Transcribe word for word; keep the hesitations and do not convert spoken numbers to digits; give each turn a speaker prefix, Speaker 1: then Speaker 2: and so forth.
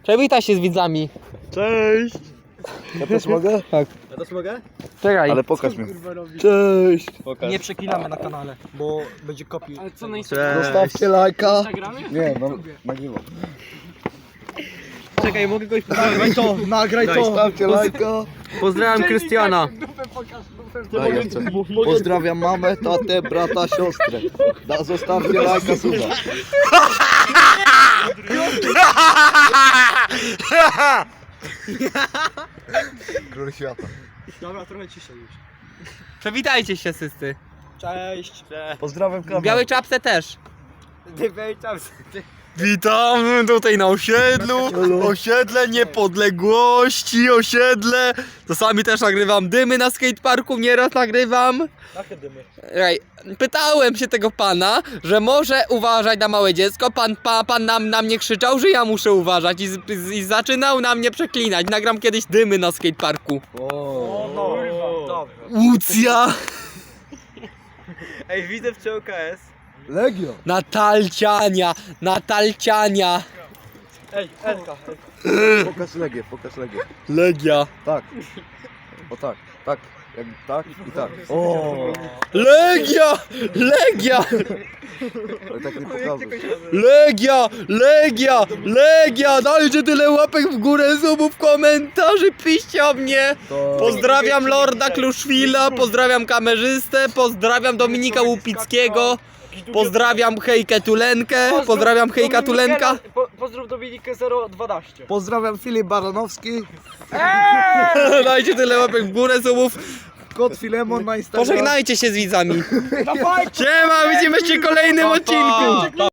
Speaker 1: Przywitaj się z widzami.
Speaker 2: Cześć!
Speaker 3: Ja też mogę?
Speaker 1: Tak.
Speaker 2: Ja też mogę?
Speaker 1: Czekaj.
Speaker 3: Ale pokaż mi. Cześć!
Speaker 2: Pokaż.
Speaker 4: Nie przeklinamy na kanale, bo będzie kopi.
Speaker 5: Ale co
Speaker 2: Cześć!
Speaker 3: Zostawcie lajka.
Speaker 5: Instagramie?
Speaker 3: Nie, no, nagrywam.
Speaker 2: Czekaj, mogę kogoś
Speaker 4: Nagraj to, nagraj to!
Speaker 3: Zostawcie lajka.
Speaker 2: Pozdrawiam Krystiana.
Speaker 5: Dupę pokaż, dupę
Speaker 3: Daj jeszcze. Pozdrawiam mamę, tatę, brata, siostrę. Da, zostawcie lajka, suba. Król świata.
Speaker 4: Dobra, trochę ciszej już.
Speaker 1: Przywitajcie się wszyscy.
Speaker 4: Cześć!
Speaker 3: Pozdrawiam kamerę.
Speaker 1: W białej czapce też.
Speaker 2: Ty tam.
Speaker 1: Witam tutaj na osiedlu. Osiedle niepodległości, osiedle. Czasami też nagrywam dymy na skateparku, nieraz nagrywam.
Speaker 4: Jakie dymy?
Speaker 1: Ej, pytałem się tego pana, że może uważać na małe dziecko. Pan, pa, pan nam, na mnie krzyczał, że ja muszę uważać i, z, z, i zaczynał na mnie przeklinać. Nagram kiedyś dymy na skateparku.
Speaker 4: O no, dobra.
Speaker 1: Łucja!
Speaker 2: Ej, widzę w C O K S.
Speaker 3: Legio.
Speaker 1: Natalciania! Natalciania!
Speaker 4: Ej, Elka.
Speaker 3: Pokaż Legię, pokaż Legię.
Speaker 1: Legia!
Speaker 3: Tak. O tak, tak. Jak tak i tak. O,
Speaker 1: Legia! Legia!
Speaker 3: ale tak nie pokazuj.
Speaker 1: Legia! Legia! Legia! Dajcie tyle łapek w górę, subów, komentarzy, piszcie o mnie!
Speaker 3: To...
Speaker 1: Pozdrawiam Lorda Kluszwila, pozdrawiam kamerzystę, pozdrawiam Dominika Łupickiego, pozdrawiam Hejkę Tulenkę, pozdrawiam Hejka Tulenka.
Speaker 4: Po, pozdrów Dominikę zero dwanaście.
Speaker 3: Pozdrawiam Filip Baranowski.
Speaker 1: Dajcie tyle łapek w górę, subów.
Speaker 3: Kot Filemon na Instagramie.
Speaker 1: Pożegnajcie się z widzami. Siema, widzimy się w kolejnym odcinku.